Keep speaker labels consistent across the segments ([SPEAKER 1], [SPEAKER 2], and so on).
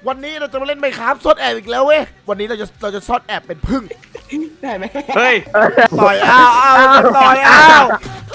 [SPEAKER 1] วันนี้เราจะมาเล่นไมค์ครับซ่อนแอบอีกแล้วเว้ยวันนี้เราจะซ่อนแอบเป็นพึ่ง
[SPEAKER 2] ได้ไหม
[SPEAKER 3] เฮ้ย
[SPEAKER 1] ต่อยอ้าวต่อยอ้าว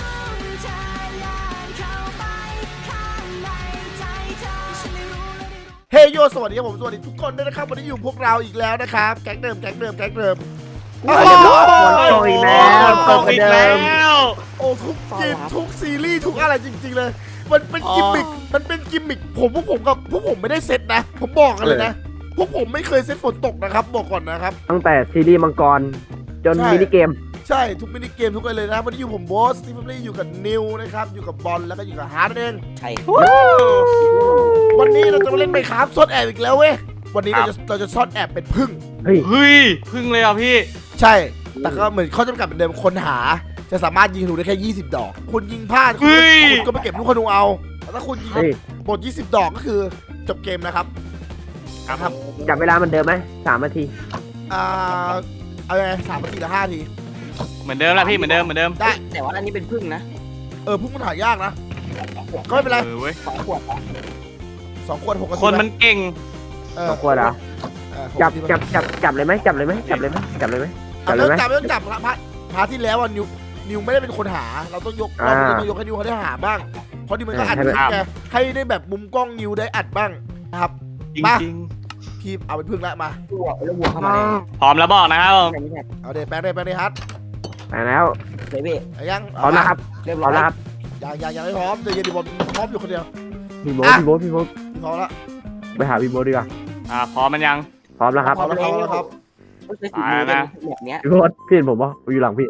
[SPEAKER 1] เฮ้ยโยสวัสดีครับผมสวัสดีทุกคนด้วยนะครับวันนี้อยู่พวกเราอีกแล้วนะครับแก๊งเดิมโอ้
[SPEAKER 3] ตกอีกแล้ว
[SPEAKER 1] โอ้ทุกเกมทุกซีรีส์ทุกอะไรจริงๆเลยมันเป็นกิมมิคพวกผมไม่ได้เซตนะผมบอกกันเลยนะพวกผมไม่เคยเซตฝนตกนะครับบอกก่อนนะครับ
[SPEAKER 4] ตั้งแต่ซีรีส์มังกรจนมินิเกม
[SPEAKER 1] ใช่ทุกมินิเกมทุกอะไรเลยนะวันนี้อยู่ผมโบสที่ผมอยู่กับนิวนะครับอยู่กับบอลแล้วก็อยู่กับฮาร์ดเอง
[SPEAKER 2] ใช่
[SPEAKER 1] วันนี้เราจะมาเล่นไมค์ครับซ่อนแอบอีกแล้วเว้ยวันนี้เราจะซ่อนแอบเป็นพึ่ง
[SPEAKER 4] เฮ้ย
[SPEAKER 3] เฮ้ยพึ่งเลยอ่ะพี่
[SPEAKER 1] ใช่แต่ก็เหมือนข้อจำกัดเหมือนเดิมคนหาจะสามารถยิงธนูได้แค่20 ดอกคุณยิงพลาดคุณก็ไปเก็บลูกธนูเอาแต่ถ้าคุณยิง
[SPEAKER 4] เฮ้ย
[SPEAKER 1] หมด20 ดอกก็คือจบเกมนะครับ
[SPEAKER 3] ครับ
[SPEAKER 4] จับเวลาเหมันเดิมไหม3 นาที
[SPEAKER 1] เอาไง3 นาทีหรือ5 นาที
[SPEAKER 3] เหมือนเดิมแล้วพี่เหมือนเดิม
[SPEAKER 1] ได้
[SPEAKER 2] แต่ว่าอันนี้เป็นพึ่งนะ
[SPEAKER 1] พึ่งมันหายากนะก็ไม่เป็นไร
[SPEAKER 3] เว้ย
[SPEAKER 2] 2 ขวด
[SPEAKER 1] 2 ขวด6 นาที
[SPEAKER 3] คนมันเก่ง
[SPEAKER 4] สองขวดเหรอ จับเลยไหมจับเลยไหมจับเลยไหม
[SPEAKER 1] จับไม่ต้องจับพาที่แล้วอ่ะนิวไม่ได้เป็นคนหาเราต้องยกให้นิวเขาได้หาบ้างเพราะนิวมันก็อัดคลิปไงให้ได้แบบมุมกล้องนิวได้อัดบ้างนะครับ
[SPEAKER 3] จริง
[SPEAKER 1] พี่เอาเป็นพึ่งละมา
[SPEAKER 2] วัวแล้ววัวเข้ามาเลย
[SPEAKER 3] ๆพร้อมแล้วบอกนะครับผม
[SPEAKER 2] ไม่ใช่
[SPEAKER 1] เอาเดแปลงได้ฮัท
[SPEAKER 4] ไปแล้ว
[SPEAKER 2] เบบี้
[SPEAKER 1] ยัง
[SPEAKER 4] พร้อมแล้วครับ
[SPEAKER 2] เรียบ
[SPEAKER 4] พ
[SPEAKER 2] ร้
[SPEAKER 4] ร้
[SPEAKER 2] อ
[SPEAKER 4] อย มแล้วครับ
[SPEAKER 1] ยังไม่พร้อมเดี๋ยวเย็นดีบอลพร้อมอยู่คนเดียว
[SPEAKER 4] พี่โบ๊ท
[SPEAKER 1] พี่พร้อมแล้ว
[SPEAKER 4] ไปหาพี่โบ๊ทดีกว่า
[SPEAKER 3] พร้อมมันยัง
[SPEAKER 4] พร้อมแล้วครับ
[SPEAKER 1] พร้อมแล้วครับ
[SPEAKER 2] ไม่ใช่สีมือแบบเนี้ย
[SPEAKER 4] พี่โบ๊ทพี่เห็นผมปะอยู่หลังพี่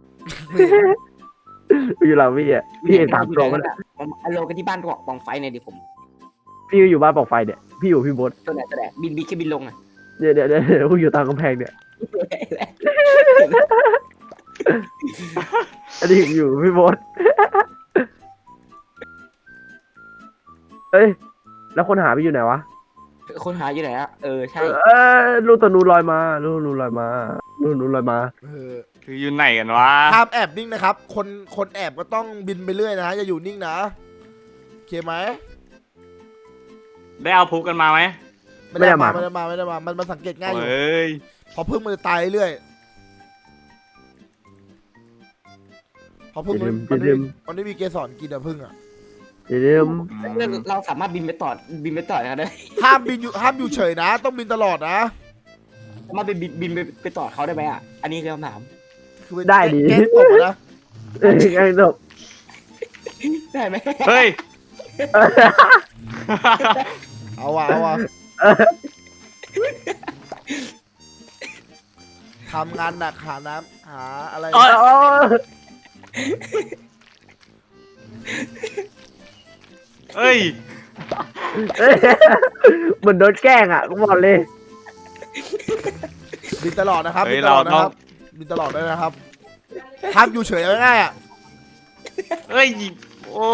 [SPEAKER 4] อยู่หลังพี่อ่ะพี่เห็น3 ตัวมัน
[SPEAKER 2] เอาลงกันที่บ้านกองไฟเนี่ยดิผม
[SPEAKER 4] พี่อยู่บ้านปอกไฟเนี่ยพี่อยู่พี่โบ๊ท
[SPEAKER 2] ตัวไหนบินแค่บินลงอ่ะ
[SPEAKER 4] เดี๋ยวพี่อยู่ตามกำแพงเนี่ยอันนี้อยู่พี่โบ๊ทเอ้ยแล้วคนหาพี่อยู่ไหนวะ
[SPEAKER 2] คนหาอยู่ไหนอ่ะใช่
[SPEAKER 4] ลูกตะนูลอยมาลูกนูลอยมา
[SPEAKER 3] คืออยู่ไหนกันวะ
[SPEAKER 1] ห้ามแอบนิ่งนะครับคนแอบก็ต้องบินไปเรื่อยนะอย่าอยู่นิ่งนะโอเคไหม
[SPEAKER 3] ได้เอาพุกกันมาไหม
[SPEAKER 1] ไม่ได้มามันสังเกตง่ายอยู่
[SPEAKER 3] เฮ้ย
[SPEAKER 1] พอพึ่งมันจะตายเรื่อยพอพึ่งมันไม่มีเกสรกินอะพึ่งอะ
[SPEAKER 4] เดี๋ยว
[SPEAKER 2] เราสามารถบินไปต่อนะได้
[SPEAKER 1] ห้ามอยู่เฉยนะ ต้องบินตลอดนะ
[SPEAKER 2] สามารถบินไปต่อเขาได้ไหมอ่ะอันนี้คือคำถาม
[SPEAKER 1] คือแก๊สตกนะ
[SPEAKER 4] ไงจบ
[SPEAKER 2] ได้ไหม
[SPEAKER 3] เฮ้ย
[SPEAKER 1] เอาว่ะทำงานหนักหาน้ำหาอะไร
[SPEAKER 3] เฮ้ย
[SPEAKER 4] เหมือนโดนแกล้งอ่ะกูบอกเลย
[SPEAKER 1] บินตลอดนะครับ
[SPEAKER 3] เฮ้
[SPEAKER 1] บิ
[SPEAKER 3] ย
[SPEAKER 1] นตลอด
[SPEAKER 3] เราต้อง
[SPEAKER 1] นะครับบินตลอดด้วยนะครับห้ามอยู่เฉยง่ายๆอ่ะ
[SPEAKER 3] เฮ้ยโอ้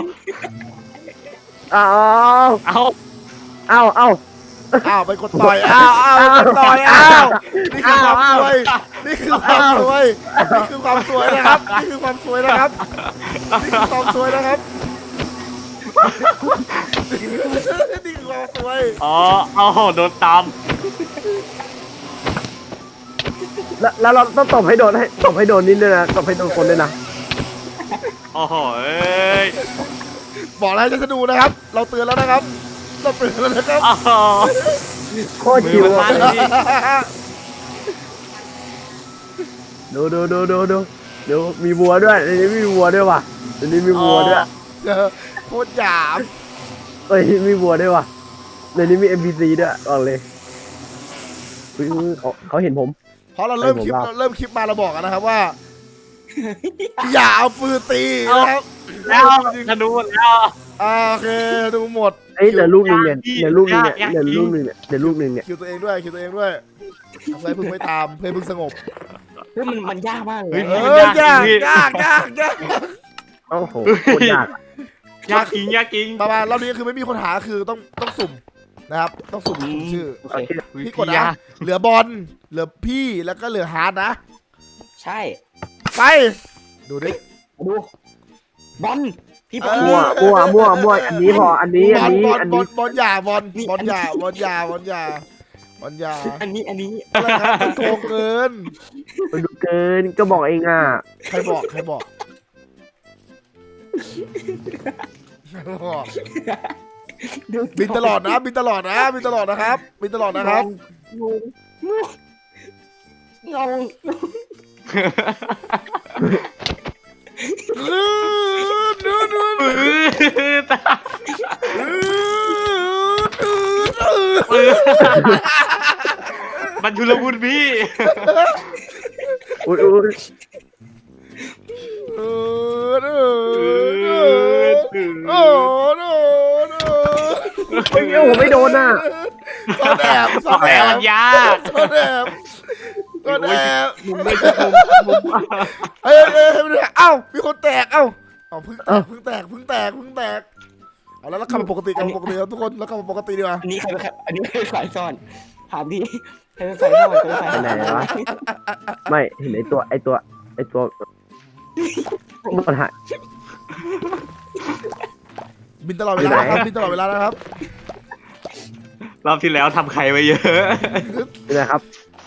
[SPEAKER 4] เอา
[SPEAKER 3] เอา
[SPEAKER 1] ไปกดต่อยไปกดต่อยนี่คือความสวยนี่คือความสวยนะครับนี่คือความสวยนะครับนี่คือความสวยนะครับ
[SPEAKER 3] อ๋อเอาโดนตาม
[SPEAKER 4] แล้วเราต้องตบให้โดนนิดด้วยนะตบให้โดนคนด้วยนะ
[SPEAKER 3] โอ้โหเอ้ย
[SPEAKER 1] บอกแล้วจะดูนะครับ เราเตือนแล้วนะครับเราเตือนแล้วนะครับ
[SPEAKER 3] อ๋อ
[SPEAKER 4] โคตรชิว
[SPEAKER 3] มือมันลั่นเลยพี่
[SPEAKER 4] ดูมีวัวด้วยในนี้มีวัวด้วยว่ะในนี้มีวัวด้วย
[SPEAKER 1] โคตรหยาบ
[SPEAKER 4] เอ้ยมีวัวด้วยว่ะในนี้มี NPC ด้วยบอกเลยเขาเห็นผม
[SPEAKER 1] เพราะเราเริ่มคลิปมาเราบอกกันนะครับว่า อย่าเอาปืนตีนะครับ
[SPEAKER 3] แล้วจะดูแล้ว
[SPEAKER 1] โอเคดูหมด
[SPEAKER 4] เอ้ยเดี๋ยวลูกนึงเนี่ยเดี๋ยวลูกนึงเนี่ย
[SPEAKER 1] คิวตัวเองด้วยเพื่อพึ่งไม่ตามเพื่อพึ่งสงบ
[SPEAKER 2] เฮ้ยมันยากมากเลย
[SPEAKER 1] ยาก
[SPEAKER 4] โอ้โหโคตรยาก
[SPEAKER 3] ยากจริง
[SPEAKER 1] ประมาณรอบนี้คือไม่มีคนหาคือต้องสุ่มนะครับต้องสุ่มชื่อพี่กดนะเหลือบอลเหลือพี่แล้วก็เหลือฮาร์ดนะ
[SPEAKER 2] ใช่
[SPEAKER 1] ไปดูดิ
[SPEAKER 2] ดูบอลพี่
[SPEAKER 1] เออ
[SPEAKER 4] มั่วอันนี้พออันนี้
[SPEAKER 1] บอลอย่าบอลอย่า
[SPEAKER 2] อันนี้
[SPEAKER 1] อะไรครับมันโกงเกิน
[SPEAKER 4] มันดูเกินก็บอกเองอ่ะ
[SPEAKER 1] ใครบอกบินตลอดนะครับบินตลอดนะครับบินตลอดนะครับ
[SPEAKER 2] งง
[SPEAKER 3] มันชุลมุนพี่
[SPEAKER 4] อุ้ย
[SPEAKER 1] โอ้โห
[SPEAKER 4] ผมไม่โดนอ่ะ
[SPEAKER 1] ซ่อนแอบ
[SPEAKER 3] มันยาก
[SPEAKER 1] ซ่อนแอบ
[SPEAKER 3] มุมไม่ใช่มุม
[SPEAKER 1] เอ้ยเอ้ามีคนแตกเอ้าเพิ่งแตกเอาแล้วกลับมาปกติครับทุกคนแล้วกลับมาปกติดีกว่า
[SPEAKER 2] อันนี้ใครเป็นฝ่ายซ่อนถามดิใครเป็นฝ่ายซ่อนใครเป็นฝ่าย
[SPEAKER 4] ไปไหนวะไม่เห็นไอตัวมันหาย
[SPEAKER 1] บินตลอดเวลาครับบินตลอดเวลานะครับ
[SPEAKER 3] รอบที่แล้วทำใครไว้เยอะ
[SPEAKER 4] นี่นะครับ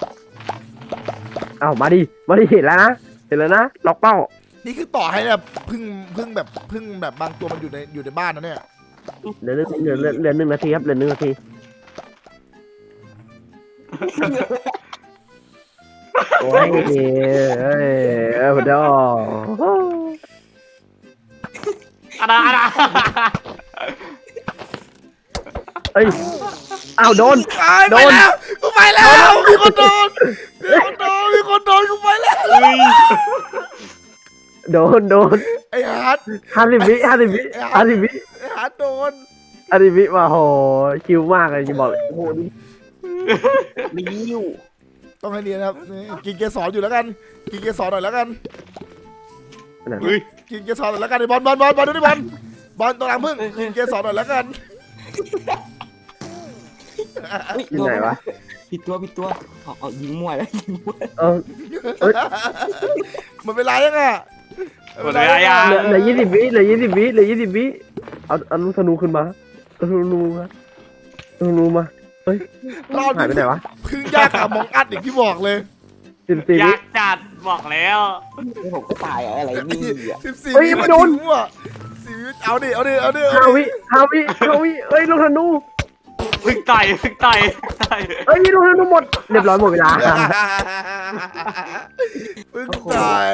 [SPEAKER 4] เอามาดิเห็นแล้วนะล็อกเป้า
[SPEAKER 1] นี่คือต่อให้แบบพึ่งแบบบางตัวมันอยู่ในบ้านนะเนี่ย
[SPEAKER 4] เหลือ1 นาทีครับเหลือ1 นาทีโอ้ยพอดอ
[SPEAKER 3] อะไร
[SPEAKER 4] เอ้ยอ้าวโดน
[SPEAKER 1] กูไปแล้วมีคนโดนกูไปแล้ว
[SPEAKER 4] โดน
[SPEAKER 1] ไอ้ฮาร์ด
[SPEAKER 4] 50 วิ
[SPEAKER 1] ไอ้ฮาร์ดโดน
[SPEAKER 4] 50 วิมาโหคิวมากเลยจะบอกเลย
[SPEAKER 2] โอ้โหไม่ยิ้ว
[SPEAKER 1] ต้องให้เรียนครับกินเกสรอยู่แล้วกันกินเกสรหน่อยแล้วกันกินเกสรหน่อยแล้วกันไอ้บอลดูดิบอลตัวหลังพึ่งกินเกสรหน่อยแล้วกัน
[SPEAKER 4] อยู่ไหนวะ
[SPEAKER 2] ผิดตัวเอายิงมั่วแล้วยิงมั่ว
[SPEAKER 1] มันเป็นไรยังอ่ะ
[SPEAKER 3] หมดเวลายัง
[SPEAKER 4] เหลือ20 วิเอาลูกธนูขึ้นมาธนูมาเฮ้ย
[SPEAKER 1] รอบ
[SPEAKER 4] หายไปไหนวะ
[SPEAKER 1] พึ่งยากกับมองอัดอย่างที่บอกเลย
[SPEAKER 4] 14 วิ
[SPEAKER 3] ยากจัดบอกแล้ว
[SPEAKER 2] ผมก็ตายอะไรนี่อ่ะ
[SPEAKER 1] 14 วิมันโดนว่ะ4 วิเอาดิ
[SPEAKER 4] 5 วิเอ้ยลูกธนู
[SPEAKER 3] พึ่งต่อย
[SPEAKER 4] เอ้ยลูกธนูหมดเรียบร้อยหมดเวลา
[SPEAKER 1] พึ่งต่อย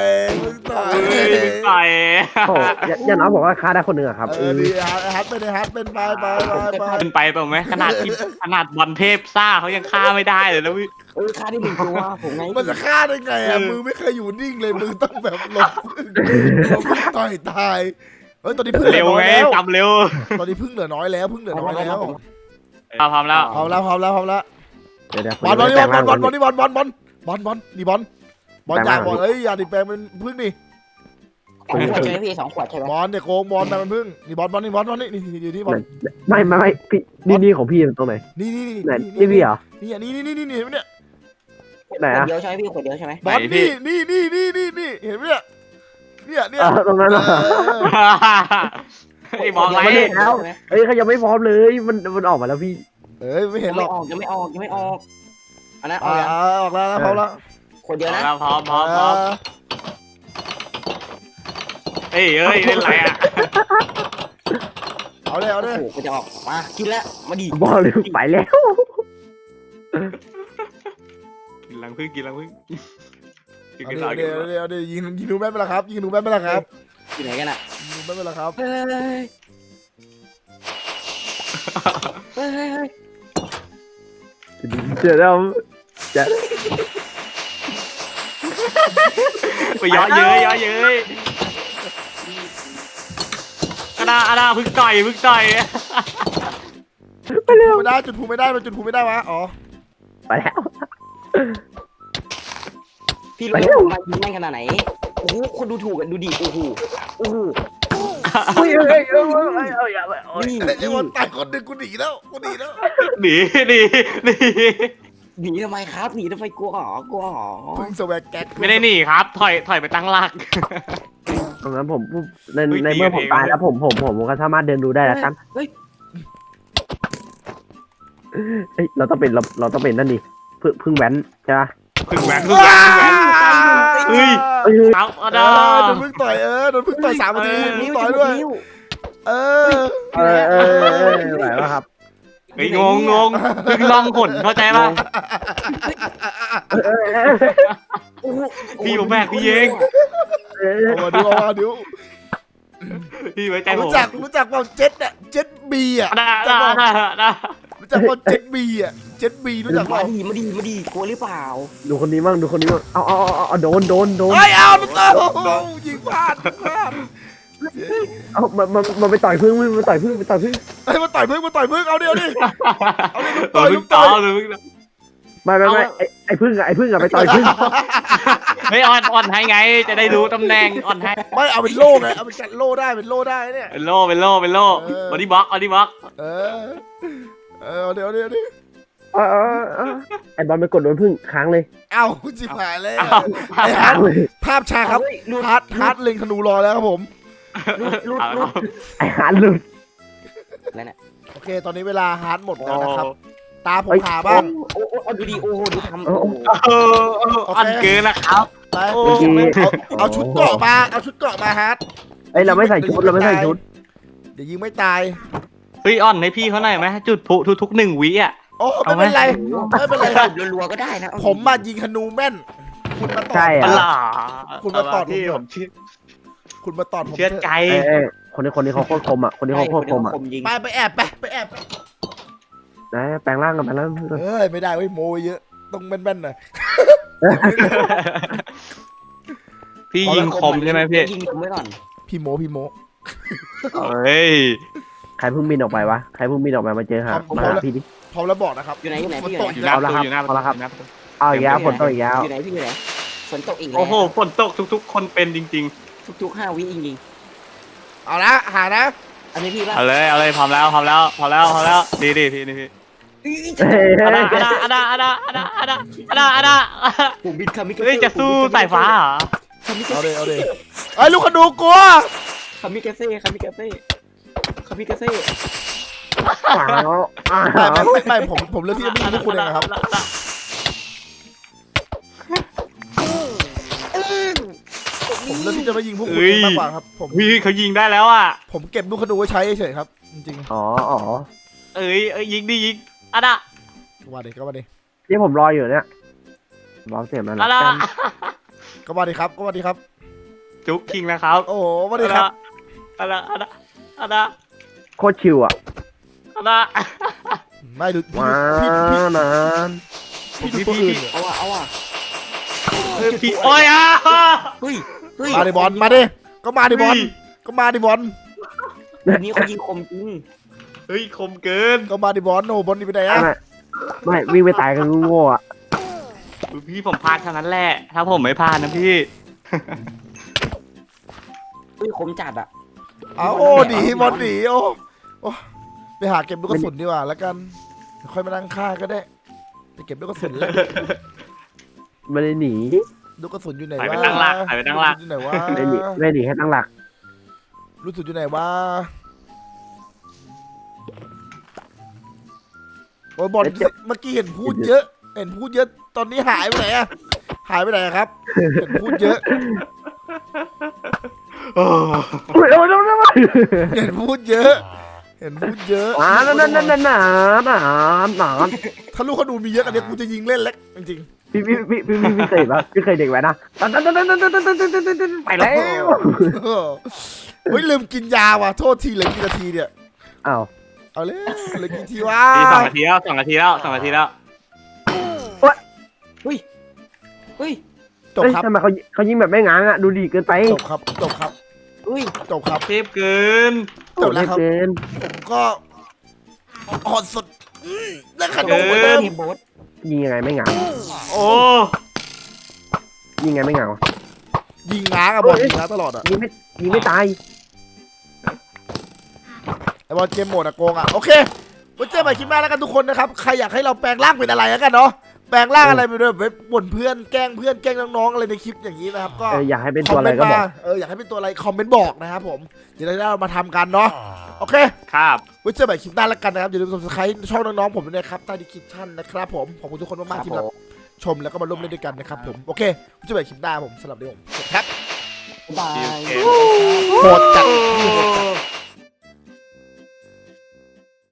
[SPEAKER 4] โอ้ย่าน้องบอกว่าฆ่าได้คนหนึ่งอะครับ
[SPEAKER 1] ดีฮัทเป็นไป
[SPEAKER 3] เป็นไปเปล่าไหมขนาดบอลเทพซ่าเขายังฆ่าไม่ได้เลยนะวิ
[SPEAKER 2] ฆ่าได้1 ตัวผมไง
[SPEAKER 1] มันจะฆ่าได้ไงอ่ะมือไม่เคยอยู่นิ่งเลยมือต้องแบบหลบต่อยตายเฮ้ยตอนนี้พึ่ง
[SPEAKER 3] เร็วไงทำเร็ว
[SPEAKER 1] ตอนนี้พึ่งเหลือน้อยแล้วพึ่งเหลือน้อยแล้ว
[SPEAKER 3] พร้อมแล้ว
[SPEAKER 1] พร้อมแล้ว
[SPEAKER 4] เดี๋ยว
[SPEAKER 1] บอลนี่บอลนี่บอลอย่าบอลอย่าดิแปลงเป็นพึ่งนี่
[SPEAKER 2] 2 ขวดใช่ไหมพี่2 ขวดใช่ไหม
[SPEAKER 1] บอลเนี่ยโกงบอลเป็นพึ่งนี่บอลนี่อยู่ที่บอล
[SPEAKER 4] ไม่พี่นี่ของพี่ตรงไหน
[SPEAKER 1] นี่
[SPEAKER 4] ไหนนี่พี่เหรอ
[SPEAKER 1] นี่เนี่ย
[SPEAKER 4] ไหนอะ
[SPEAKER 2] เดียวใช่ไหมพี่ขวดเดียวใช่ไหม
[SPEAKER 1] บอลนี่เห็นไหมเนี่ย
[SPEAKER 4] ตรงนั้นเหรอ
[SPEAKER 3] ไอ้มองไร
[SPEAKER 4] แล้วเฮ้ยเขายังไม่พร้อมเลยมันออกมาแล้วพี่
[SPEAKER 1] ไม่เห็นหรอก
[SPEAKER 2] ยังไม่ออกอันนั้น
[SPEAKER 1] ออกแล้วพร้อมแล้ว
[SPEAKER 2] ขวดเดียวนะ
[SPEAKER 3] พร้อมเฮ้ยเล่นไรอ่ะ
[SPEAKER 1] เอาเลย
[SPEAKER 2] โอ้โหกูจะออกมากินแล้วมาดิ
[SPEAKER 4] บอลเลยไปแล้ว
[SPEAKER 3] กินลังพึ่ง
[SPEAKER 1] เอาดิยิงดูแม่นไปละครับยิงดูแม่นไปละครับ
[SPEAKER 2] ที่ไหนกันอ่ะ
[SPEAKER 1] ยิงดูแม่นไปละครับ
[SPEAKER 2] เฮ้ย
[SPEAKER 4] เดี๋ยวเราจะ
[SPEAKER 3] ไปย้อเย้ยอาณาพึ่งต่อย
[SPEAKER 4] ไปเร็ว
[SPEAKER 1] ไม่ได้จุดภูไม่ได้วะอ๋อ
[SPEAKER 4] ไปแล้ว
[SPEAKER 2] พี่รู้ว่าผมมายิงแม่งขนาดไหนโอ้โหคนดูถูกกันดูดิโอ้โห
[SPEAKER 4] เฮ้ย
[SPEAKER 2] นี่
[SPEAKER 1] ไอ้วันตายคนหนึ่งกูหนีแล้ว
[SPEAKER 3] หนี
[SPEAKER 2] หนีทำไมครับหนีทำไมกลัวหรอ
[SPEAKER 1] พึ่งสแวกแก๊ก
[SPEAKER 3] ไม่ได้หนีครับถอยไปตั้งหลัก
[SPEAKER 4] ตรงนั้นผมในเมื่อผมตายแล้วผมก็สามารถเดินดูได้แล้วครับ
[SPEAKER 2] เฮ้ย
[SPEAKER 4] เอ้ยเราต้องเป็นนั่นดิพึ่งแว้นใช่ปะ
[SPEAKER 3] พึ่งแหวนพึ่งแหวนเฮ้ย
[SPEAKER 4] เอ้ย
[SPEAKER 3] เอาเอา
[SPEAKER 1] เอ
[SPEAKER 3] ดา
[SPEAKER 1] อโดนพึ่งต่อยโดนพึ่งต่อย3 นาทีพึ่งต่อยด้วยเออ
[SPEAKER 4] ไหวป่ะครับ
[SPEAKER 3] เฮ้ยงงพึ่งล่องหนเข้าใจป่ะ พี่ผมแบกพี่เอง
[SPEAKER 1] เอาดู
[SPEAKER 3] พี่ไว้ใจผม
[SPEAKER 1] รู้จักว่าเจ็ตอะเจ็ตบีอะ
[SPEAKER 3] ได้
[SPEAKER 1] รู้จักว่าเจ็ตบีอะเจ็ตบีรู้จัก
[SPEAKER 2] มา
[SPEAKER 1] ว่า
[SPEAKER 2] ดีกลัวหรือเปล่า
[SPEAKER 4] ดูคนนี้มั่งเอาโดน
[SPEAKER 1] เฮ้ยเอามันยิงพลาด
[SPEAKER 4] เอามันไปต่อยพึ่งมันต่อยพึ่ง
[SPEAKER 1] เฮ้ยมาต่อยพึ่งเอาดิลุก
[SPEAKER 3] ต่
[SPEAKER 1] ต่
[SPEAKER 3] อ
[SPEAKER 1] อย
[SPEAKER 3] เลย
[SPEAKER 4] ไม่ไอ้พึ่งอะไปต่อยพึ่ง
[SPEAKER 3] ไม่อ่อนให้ไงจะได้รู้ตำแหน่งอ่อนให้
[SPEAKER 1] ไม่เอาเป็นโล่ไงเอาเป็นจัดโล่ได้เป็นโล่ได้เนี่ย
[SPEAKER 3] เป็นโล่บอดี้บล็อก
[SPEAKER 1] เดี๋ยว
[SPEAKER 4] ไอ้บอลไปกดโดนพึ่งค้างเลย
[SPEAKER 1] เอาจิบหายเลย
[SPEAKER 3] เอา
[SPEAKER 1] ไอ้ฮาร์ดภาพชาครับฮาร์ดเล็งธนูรอแล้วครับผม
[SPEAKER 2] ลุด
[SPEAKER 4] ไอ้หาหลุด
[SPEAKER 2] แล้วเนี่ย
[SPEAKER 1] โอเคตอนนี้เวลาฮาร์ดหมดแล้วนะครับตาผมหาบ้าง
[SPEAKER 2] โอ้ดูดิโอ้โหดูทำ
[SPEAKER 3] อ่อนเกินนะครับ
[SPEAKER 1] ไป
[SPEAKER 3] โอ้
[SPEAKER 1] เอาชุดเกราะมาฮาร์ด
[SPEAKER 4] ไอ้เราไม่ใส่ชุด
[SPEAKER 1] เดี๋ยวยิงไม่ตาย
[SPEAKER 3] เฮ้ยอ่อนให้พี่เขาหน่อยไหมจุดพลุทุก1 วิอ่ะ
[SPEAKER 1] โอ้ไม่เป็นไรครับ
[SPEAKER 2] รัวๆก็ได้นะ
[SPEAKER 1] ผมมายิงธนูแม่นคุณมาตอด
[SPEAKER 4] ใช่
[SPEAKER 3] ป
[SPEAKER 4] อะ
[SPEAKER 3] ลา
[SPEAKER 1] คุณมาตอด
[SPEAKER 3] พี่ผมเชื่อ
[SPEAKER 1] คุณมาตอดผม
[SPEAKER 3] เชื่อใจ
[SPEAKER 4] คนนี้เขาโคตรคมอ่ะคนนี้เขาโคตรคมอ่ะ
[SPEAKER 2] ยิง
[SPEAKER 1] ไปแอบ
[SPEAKER 4] นะแปลงร่างกัน
[SPEAKER 1] เฮ้ยไม่ได้เว้ยโมเยอะต้องแม่นๆหน่อย
[SPEAKER 3] พี่ยิงคมใช่ไหมพี่
[SPEAKER 2] ยิงผมไว้ก่อน
[SPEAKER 1] พี่โม
[SPEAKER 3] เฮ้ย
[SPEAKER 4] ใครเพิ่งบินออกไปวะใครเพิ่งบินออกไปมาเจอหามาหาพี่ดิ
[SPEAKER 1] พร้อมแล้วบอกนะครับ
[SPEAKER 2] อยู่ไหน
[SPEAKER 3] อยู่หน้าประตูอยู่หน้าประตูอยู่หน้าประตู
[SPEAKER 4] เอาอีกแล้วฝนตกอีกแล้ว
[SPEAKER 2] อยู่ไหนพี่อยู่ไหนฝนตกอีกแล้ว
[SPEAKER 3] โอ้โหฝนตกทุกๆ คนเป็นจริง
[SPEAKER 2] ทุก5 วิจริง
[SPEAKER 1] เอาละหานะ
[SPEAKER 2] ๆอันนี้พี่
[SPEAKER 3] ๆ
[SPEAKER 2] ป่ะ
[SPEAKER 3] เอาเลยพร้อมแล้วดีพี่นี่พี่อะดา
[SPEAKER 2] ผมบินคามิ
[SPEAKER 3] เฮ้ยจะสู้สายฟ้าเหรอ
[SPEAKER 1] เอาเลยไอ้ลูกขนูกลัว
[SPEAKER 2] คามิเกเซ่
[SPEAKER 1] ไม่ผมเลือกที่จะไม่ยิงพวกคุณเองนะครับผมเลือกที่จะไม่ยิงพวกคุณเองมากกว่าครับผม
[SPEAKER 3] พี่เขายิงได้แล้วอ่ะ
[SPEAKER 1] ผมเก็บลูกขนูไว้ใช้เฉยๆครับจริง
[SPEAKER 4] อ๋อ
[SPEAKER 3] เอ้ยยิงอะดา
[SPEAKER 1] ๆว่าดิก็มาดิ
[SPEAKER 4] นี่ผมรออยู่เนี่ยรอเสียงมัน
[SPEAKER 3] อะดา
[SPEAKER 1] ก็มาดิครับ
[SPEAKER 3] จุ๊กคิงนะครับ
[SPEAKER 1] โอ้โหมาดิครับ
[SPEAKER 3] อะดา
[SPEAKER 4] โคตรชิวอ่ะ
[SPEAKER 3] อะดา
[SPEAKER 1] ไม่ดู
[SPEAKER 4] ว้า
[SPEAKER 1] พี่
[SPEAKER 4] นาน
[SPEAKER 1] ดูตัวอื่น
[SPEAKER 2] เอาว่ะ
[SPEAKER 3] พี่โอ้ยอ่ะ
[SPEAKER 2] เฮ้ย
[SPEAKER 1] มาดิบอลมาดิก็มาดิบอล
[SPEAKER 2] วันนี้เขายิงคมจริง
[SPEAKER 3] เฮ้ยคมเกิน
[SPEAKER 1] ก็มาดิบอลโอ้บอลนี่ไปไหนอะ
[SPEAKER 4] ไม่วิ่งไปตายกันโง่อ่ะ
[SPEAKER 3] พี่ผมพลาดเท่านั้นแหละ ถ้าผมไม่พลาดนะพี่
[SPEAKER 2] เฮ้ยคมจัดอ่ะ
[SPEAKER 1] เอาโอ้หนีบอลหนีโอ้ไปหาเก็บลูกกระสุนดีกว่าแล้วกันค่อยมานั่งฆ่าก็ได้ไปเก็บลูกกระสุนแล้ว
[SPEAKER 4] ไม่ได้หนี
[SPEAKER 1] ลูกกระสุนอยู่ไหน
[SPEAKER 3] ไป
[SPEAKER 1] วะ
[SPEAKER 3] ไปตั้งหลัก
[SPEAKER 1] อยู่ไหนวะ
[SPEAKER 4] ไม่ได้หนีแค่ตั้งหลัก
[SPEAKER 1] ลูกกระสุนอยู่ไหนวะโอ้ยบอลเมื่อกี้เห็นพูดเยอะตอนนี้หายไปไหนอะครับเห็นพูดเยอะ
[SPEAKER 3] โอ้
[SPEAKER 1] เห็นพูดเยอะถ้าลูกเขาดูมีเยอะอันนี้กูจะยิงเล่นเล็กจริง
[SPEAKER 4] พี่เคยปะพี่เคยเด็กไว้นะไปแล้ว
[SPEAKER 1] เฮ้ยลืมกินยาว่ะโทษทีเหลือกี่นาทีเนี่ย
[SPEAKER 4] อ้าว
[SPEAKER 1] เอาเลยเหลือกี่ทีวะ
[SPEAKER 3] พี่2 นาทีแล้ว2 นาทีแล้ว
[SPEAKER 2] เฮ้ย
[SPEAKER 1] จบครับ
[SPEAKER 4] ทำไมเขายิงแบบไม่ง้างอ่ะดูดีเกินไป
[SPEAKER 1] จบครับ
[SPEAKER 2] เฮ้ย
[SPEAKER 3] เทพเกิน
[SPEAKER 1] จบแล้วครับ
[SPEAKER 4] เกิน
[SPEAKER 1] ผมก็อ่อนสุดแล้วขนม
[SPEAKER 3] เกิน
[SPEAKER 1] เดิม
[SPEAKER 2] ทีมโบ๊ท
[SPEAKER 4] ยิงยังไงไม่ง้าง
[SPEAKER 3] โอ้
[SPEAKER 4] ยิงไงไม่ง้าง
[SPEAKER 1] ยิงง้างอะบอลยิงง้างตลอดอะ
[SPEAKER 4] ยิงไม่ตาย
[SPEAKER 1] ไอบอลเกมโหมดอะโกงอะโอเคไว้เจอกันใหม่คลิปหน้าแล้วกันทุกคนนะครับใครอยากให้เราแปลงร่างเป็นอะไรแล้วกันเนาะแปลงร่างอะไรไปด้วยแบบบ่นเพื่อนแกล้งเพื่อนแกล้งน้องๆอะไรในคลิปอย่างนี้นะครับก็
[SPEAKER 4] อยากให้เป็นตัวอะไรก็บอก
[SPEAKER 1] อยากให้เป็นตัวอะไรคอมเมนต์บอกนะครับผมเดี๋ยวเรามาทำกันเนาะโอเค
[SPEAKER 3] ครับ
[SPEAKER 1] ไว้เจอกันใหม่คลิปหน้าแล้วกันนะครับอย่าลืม subscribe ช่องน้องๆผมด้วยนะครับใต้ดีคริปชั่นนะครับผมขอบคุณทุกคนมากๆที่รับชมแล้วก็มาร่วมเล่นด้วยกันนะครับผมโอเคไว้เจอกันใหม่คลิปหน้าผมสำหรับเดี๋ยวผมครับ
[SPEAKER 2] บาย
[SPEAKER 1] โหดจัด